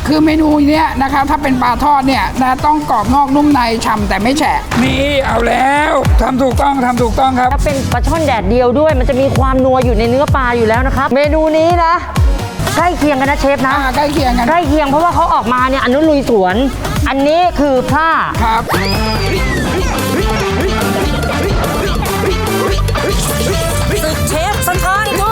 คือเมนูเนี้ยนะครับถ้าเป็นปลาทอดเนี่ยนะต้องกรอบนอกนุ่มในฉ่ำแต่ไม่แฉะนี่เอาแล้วทำถูกต้องครับแล้วเป็นปลาช่อนแดดเดียวด้วย มันจะมีความนัวอยู่ในเนื้อปลาอยู่แล้วนะครับเมนูนี้นะใกล้เคียงกันนะเชฟนะใกล้เคียงกันใกล้เคียงเพราะว่าเขาออกมาเนี่ยอันนู้นลุยสวนอันนี้คือพร่าครับศึกเชฟสถานบู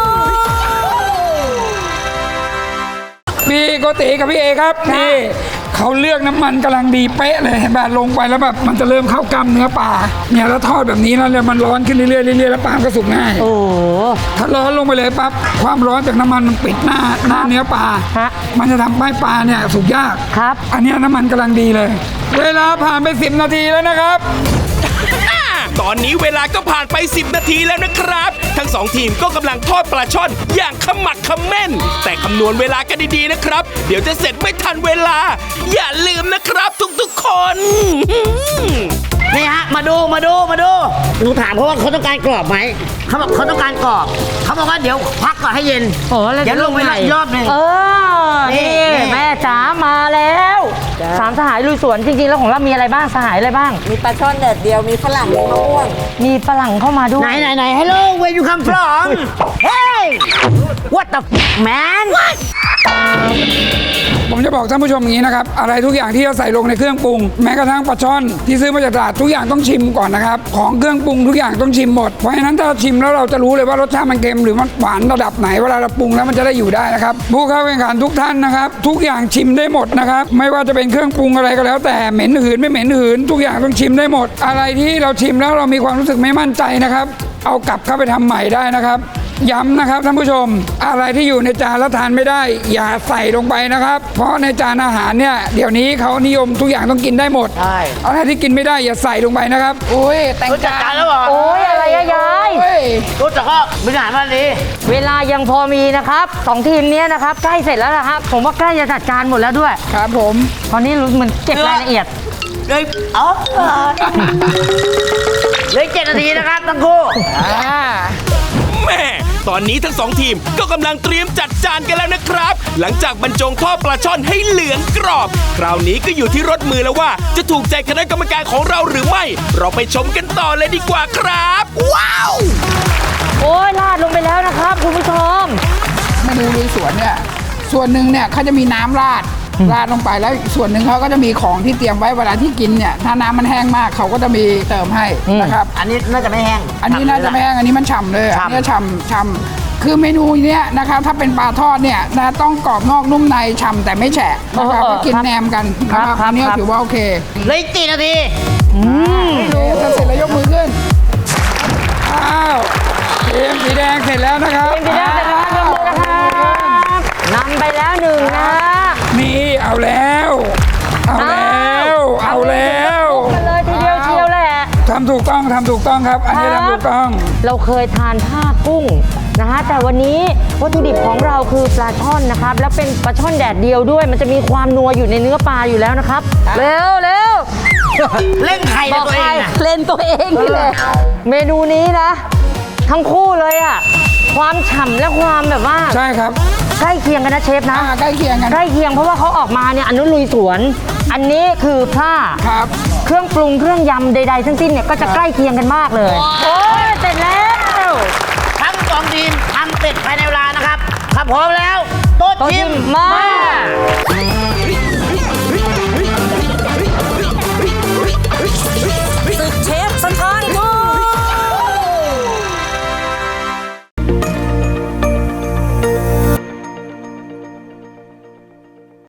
พี่โกติกับพี่เอครับนี่เขาเลือกน้ำมันกำลังดีเป๊ะเลยแบบลงไปแล้วแบบมันจะเริ่มเข้ากล้ามเนื้อปลาเนี่ยแล้วทอดแบบนี้แล้วเนี่ยมันร้อนขึ้นเรื่อยๆแล้วปลาก็สุกง่ายโอ้ถ้าร้อนลงไปเลยปั๊บความร้อนจากน้ำมันมันปิดหน้าเนื้อปลามันจะทำให้ปลาเนี่ยสุกยากครับอันนี้น้ำมันกำลังดีเลยเวลาผ่านไป10 นาทีแล้วนะครับตอนนี้เวลาก็ผ่านไป10 นาทีแล้วนะครับทั้ง2 ทีมก็กำลังทอดปลาช่อนอย่างขมักเขม้นแต่คำนวณเวลากันดีๆนะครับเดี๋ยวจะเสร็จไม่ทันเวลาอย่าลืมนะครับทุกๆคนนี่ฮะมาดูหนูถามเขาว่าเขาต้องการกรอบไหมเขาบอกเขาต้องการกรอบเขาบอกว่าเดี๋ยวพักก่อนให้เย็นเดี๋ยวลงไปอีกรอบหนึ่งนี่แม่จ๋ามาแล้ว3 สหายลุยสวนจริงๆแล้วของเรามีอะไรบ้างสหายอะไรบ้างมีปลาช่อนแดดเดียวมีฝรั่งมีมะม่วงมีฝรั่งเข้ามาด้วยไหน Hello where you come from Hey what the man ผมจะบอกท่านผู้ชมอย่างนี้นะครับอะไรทุกอย่างที่เราใส่ลงในเครื่องปรุงแม้กระทั่งปลาช่อนที่ซื้อมาจากตลาดทุกอย่างต้องชิมก่อนนะครับของเครื่องปรุงทุกอย่างต้องชิมหมดเพราะฉะนั้นถ้าชิมแล้วเราจะรู้เลยว่ารสชาติมันเค็มหรือมันหวานระดับไหนเวลาเราปรุงแล้วมันจะได้อยู่ได้นะครับผู้เข้าแข่งขันทุกท่านนะครับทุกอย่างชิมได้หมดนะครับไม่ว่าจะเป็นเครื่องปรุงอะไรก็แล้วแต่เหม็นหืนไม่เหม็นหืนทุกอย่างต้องชิมได้หมดอะไรที่เราชิมแล้วเรามีความรู้สึกไม่มั่นใจนะครับเอากลับเข้าไปทำใหม่ได้นะครับย้ำนะครับท่านผู้ชมอะไรที่อยู่ในจานแล้วทานไม่ได้อย่าใส่ลงไปนะครับเพราะในจานอาหารเนี่ยเดี๋ยวนี้เขานิยมทุกอย่างต้องกินได้หมดอะไรที่กินไม่ได้อย่าใส่ลงไปนะครับโอ้ยแต่งจานแล้วเหรอโอ้ยอะไรยายรู้จักก็บริหารมาดีเวลายังพอมีนะครับ2 ทีมนี้นะครับใกล้เสร็จแล้วนะครับผมว่าใกล้จะจัดการหมดแล้วด้วยครับผมตอนนี้เหมือนเก็บรายละเอียดเลยเหลือ7 นาทีนะครับทั้งคู่แม่ตอนนี้ทั้ง2 ทีมก็กำลังเตรียมจัดจานกันแล้วนะครับหลังจากบรรจงทอดปลาช่อนให้เหลืองกรอบคราวนี้ก็อยู่ที่รสมือแล้วว่าจะถูกใจคณะกรรมการของเราหรือไม่เราไปชมกันต่อเลยดีกว่าครับว้าวโอ้ยราดลงไปแล้วนะครับคุณผู้ชมเมนูลุยสวนเนี่ยส่วนหนึ่งเนี่ยเขาจะมีน้ำราดลงไปแล้วส่วนหนึ่งเขาก็จะมีของที่เตรียมไว้เวลาที่กินเนี่ยถ้าน้ำมันแห้งมากเขาก็จะมีเติมให้นะครับอันนี้น่าจะไม่แห้งอันนี้น่าจะไม่แห้งอันนี้มันฉ่ำเลยอันนี้ฉ่ำคือเมนูเนี้ยนะครับถ้าเป็นปลาทอดเนี่ยนะต้องกรอบนอกนุ่มในฉ่ำแต่ไม่แฉะนะครับกินแหนมกันนะครับอันนี้ถือว่าโอเคเลย4 นาทีถ้าเสร็จแล้วยกมือขึ้นอ้าวทีมสีแดงเสร็จแล้วนะครับทีมสีแดงเสร็จแล้วนะครับนำไปแล้ว1นะนี่เอาแล้วกันเลยทีเดียวเชียวแหละทำถูกต้องครับอันนี้ทำถูกต้องเราเคยทานผ้ากุ้งนะฮะแต่วันนี้วัตถุดิบของเราคือปลาช่อนนะครับแล้วเป็นปลาช่อนแดดเดียวด้วยมันจะมีความนัวอยู่ในเนื้อปลาอยู่แล้วนะครับเร็วเล่นใครตัวเองเล่นตัวเองนี่แหละเมนูนี้นะทั้งคู่เลยอ่ะความฉ่ำและความแบบว่าใช่ครับใกล้เคียงกันนะเชฟนะใกล้เคียงเพราะว่าเขาออกมาเนี่ยอันนู้นลุยสวนอันนี้คือพร่าครับเครื่องปรุงเครื่องยำใดๆทั้งสิ้นเนี่ยก็จะใกล้เคียงกันมากเลยโอ้ยเสร็จแล้วทั้ง2 ทีมทำเสร็จภายในเวลานะครับถ้าพร้อมแล้วโต๊ะทีมมา